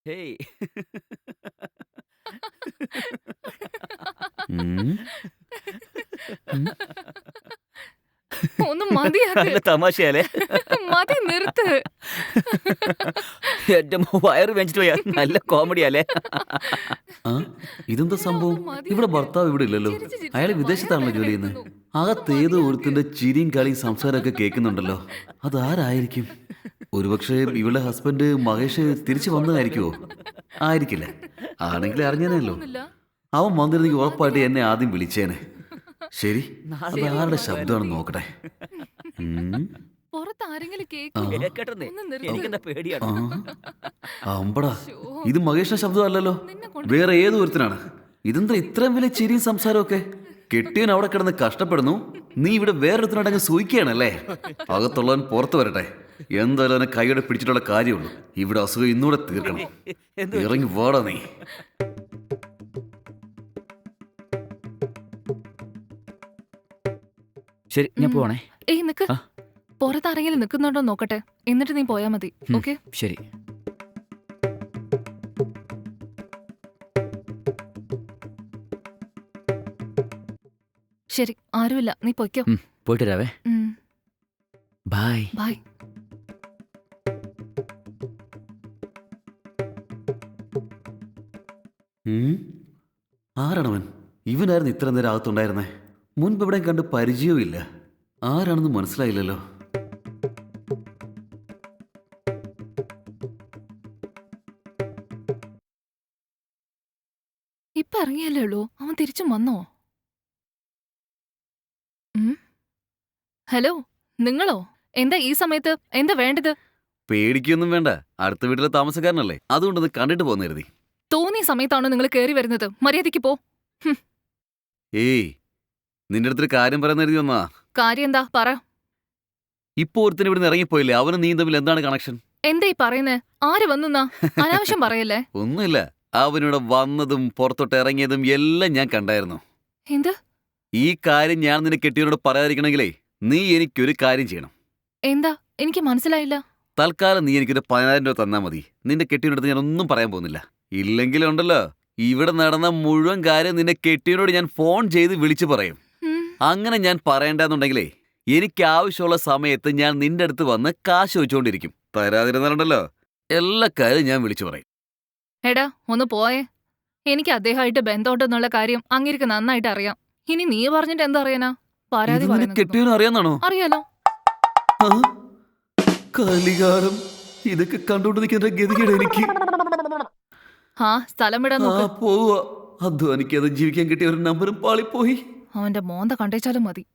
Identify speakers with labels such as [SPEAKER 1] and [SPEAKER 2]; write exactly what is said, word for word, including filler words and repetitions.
[SPEAKER 1] Hey.
[SPEAKER 2] ഉം. ഉം.
[SPEAKER 3] ഒന്ന് മതിയാക്ക്.
[SPEAKER 1] നല്ല തമാശയാലേ?
[SPEAKER 3] മതി നിർത്ത്.
[SPEAKER 1] എന്റെ വയറ് വെച്ചിട്ട് പോയാ നല്ല കോമഡിയാലേ?
[SPEAKER 2] ആ ഇതെന്താ സംഭവം? ഇവിടെ ഭർത്താവ് ഇവിടെ ഇല്ലല്ലോ. അയാൾ വിദേശത്താണല്ലോ ജോലി ചെയ്യുന്നത്. അകത്തേതോ ഒരുത്തിന്റെ ചിരിയും കളിയും സംസാരമൊക്കെ കേൾക്കുന്നുണ്ടല്ലോ. അതാരായിരിക്കും? ഒരുപക്ഷെ ഇവളുടെ ഹസ്ബൻഡ് മഹേഷ് തിരിച്ചു വന്നതായിരിക്കുമോ? ആയിരിക്കില്ല. ആണെങ്കിൽ അറിഞ്ഞേനല്ലോ. അവൻ വന്നിരുന്നെങ്കിൽ ഉറപ്പായിട്ട് എന്നെ ആദ്യം വിളിച്ചേനെ. ശരി, അതാരുടെ ശബ്ദമാണെന്ന് നോക്കട്ടെ. ഉം.
[SPEAKER 3] പുറത്ത് ആരെങ്കിലും കേൾക്കും.
[SPEAKER 1] കേക്കട്ടെന്നേ,
[SPEAKER 3] ഒന്ന് നിർത്ത്.
[SPEAKER 1] എനിക്കെന്താ പേടിയാണ്.
[SPEAKER 2] ആ അമ്പടാ, ഇത് മഹേഷിന്റെ ശബ്ദമല്ലല്ലോ, വേറെ ഏതോ ഒരുത്തനാണ്. ഇതെന്താ ഇത്രയും വലിയ ചിരിയും സംസാരമൊക്കെ? കെട്ടിയവൻ അവിടെ കിടന്ന് കഷ്ടപ്പെടുന്നു, നീ ഇവിടെ വേറൊരുത്തനടങ്ങ് സൂയിക്കുകയാണല്ലേ? അകത്തുള്ളവൻ പുറത്തു വരട്ടെ. എന്തായാലും അവനെ കൈയോടെ പിടിച്ചിട്ടുള്ള കാര്യമുള്ളൂ. ഇവിടെ അസുഖം ഇന്നൂടെ തീർക്കണം. ഇറങ്ങി വാടാ നീ.
[SPEAKER 1] ശരി, ഞാൻ പോവാണേ.
[SPEAKER 3] ഏയ് നിക്ക്.
[SPEAKER 1] ആ.
[SPEAKER 3] പുറത്ത് ആരെങ്കിലും നിൽക്കുന്നുണ്ടോ നോക്കട്ടെ, എന്നിട്ട് നീ പോയാ മതി.
[SPEAKER 1] ഉം,
[SPEAKER 3] ഓക്കെ?
[SPEAKER 1] ശരി.
[SPEAKER 3] ശരി, ആരുമില്ല, നീ പൊയ്ക്കോ.
[SPEAKER 1] ഉം, പോയിട്ട് വരാവേ.
[SPEAKER 3] ഉം,
[SPEAKER 1] ബൈ.
[SPEAKER 3] ബൈ.
[SPEAKER 2] ഉം? ആരാണവൻ? ഇവനായിരുന്നു ഇത്ര നേരം അകത്തുണ്ടായിരുന്നേ. മുൻപ് ഇവിടെ കണ്ട് പരിചയവും ഇല്ല. ആരാണെന്ന് മനസ്സിലായില്ലല്ലോ.
[SPEAKER 3] ഇപ്പൊ ഇറങ്ങിയല്ലേ ഉള്ളൂ, അവൻ തിരിച്ചും വന്നോ? ഉം? ഹലോ, നിങ്ങളോ? എന്താ ഈ സമയത്ത്? എന്താ വേണ്ടത്?
[SPEAKER 2] പേടിക്കൊന്നും വേണ്ട, അടുത്ത വീട്ടിലെ താമസക്കാരനല്ലേ, അതുകൊണ്ടൊന്ന് കണ്ടിട്ട് പോന്നു കരുതി.
[SPEAKER 3] തോന്നിയ സമയത്താണോ നിങ്ങൾ കയറി വരുന്നത്? മര്യാദയ്ക്ക് പോ. ഹും,
[SPEAKER 2] ഏയ്, നിന്റെ അടുത്തൊരു കാര്യം പറയുന്ന കരുതി വന്നാ.
[SPEAKER 3] കാര്യം എന്താ പറ.
[SPEAKER 2] ഇപ്പൊ ഒരുത്തിന് ഇവിടുന്ന് ഇറങ്ങിപ്പോയില്ലേ, അവനും നീ തമ്മിൽ എന്താണ് കണക്ഷൻ?
[SPEAKER 3] എന്താ ഈ പറയുന്നേ? ആര് വന്നുന്നാ? അനാവശ്യം പറയല്ലേ.
[SPEAKER 2] ഒന്നുമില്ല, അവനിവിടെ വന്നതും പുറത്തോട്ട് ഇറങ്ങിയതും എല്ലാം ഞാൻ കണ്ടായിരുന്നു.
[SPEAKER 3] എന്ത്?
[SPEAKER 2] ഈ കാര്യം ഞാൻ നിന്നെ കെട്ടിയവനോട് പറയാതിരിക്കണമെങ്കിലേ നീ എനിക്കൊരു കാര്യം ചെയ്യണം.
[SPEAKER 3] എന്താ? എനിക്ക് മനസ്സിലായില്ല.
[SPEAKER 2] തൽക്കാലം നീ എനിക്കൊരു പതിനായിരം രൂപ തന്നാ മതി. നിന്റെ കെട്ടിയവനടുത്ത് ഞാൻ ഒന്നും പറയാൻ പോകുന്നില്ല. ഇല്ലെങ്കിലുണ്ടല്ലോ, ഇവിടെ നടന്ന മുഴുവൻ കാര്യം നിന്റെ കെട്ടിയവനോട് ഞാൻ ഫോൺ ചെയ്ത് വിളിച്ചു പറയും.
[SPEAKER 3] ഉം,
[SPEAKER 2] അങ്ങനെ ഞാൻ പറയണ്ടെന്നുണ്ടെങ്കിലേ എനിക്ക് ആവശ്യമുള്ള സമയത്ത് ഞാൻ നിന്റെ അടുത്ത് വന്ന് കാശ് വെച്ചുകൊണ്ടിരിക്കും. തരാതിരുന്നാലുണ്ടല്ലോ എല്ലാ കാര്യം ഞാൻ വിളിച്ചു പറയും.
[SPEAKER 3] എടാ ഒന്ന് പോയേ. എനിക്ക് അദ്ദേഹമായിട്ട് ബന്ധമുണ്ടെന്നുള്ള കാര്യം അങ്ങേർക്ക് നന്നായിട്ട് അറിയാം. ഇനി നീ പറഞ്ഞിട്ട് എന്താ അറിയാനാ? പരാതി
[SPEAKER 2] ഇത് നിന്റെ
[SPEAKER 3] പറയുന്നത്
[SPEAKER 2] കെട്ടിയവനും അറിയാന്നാണോ?
[SPEAKER 3] അറിയാലോ.
[SPEAKER 2] ആ? കലികാലം, ഇതൊക്കെ കണ്ടോണ്ട് നിൽക്കുന്ന ഗതികേട് എനിക്ക്.
[SPEAKER 3] ആ സ്ഥലം വിടാൻ
[SPEAKER 2] ആ
[SPEAKER 3] നോക്ക്.
[SPEAKER 2] പോവാ, അധ്വാനിക്കാതെ ജീവിക്കാൻ കിട്ടിയ ഒരു നമ്പറും പാളിപ്പോയി.
[SPEAKER 3] അവന്റെ മോന്ത കണ്ടേച്ചാലും മതി.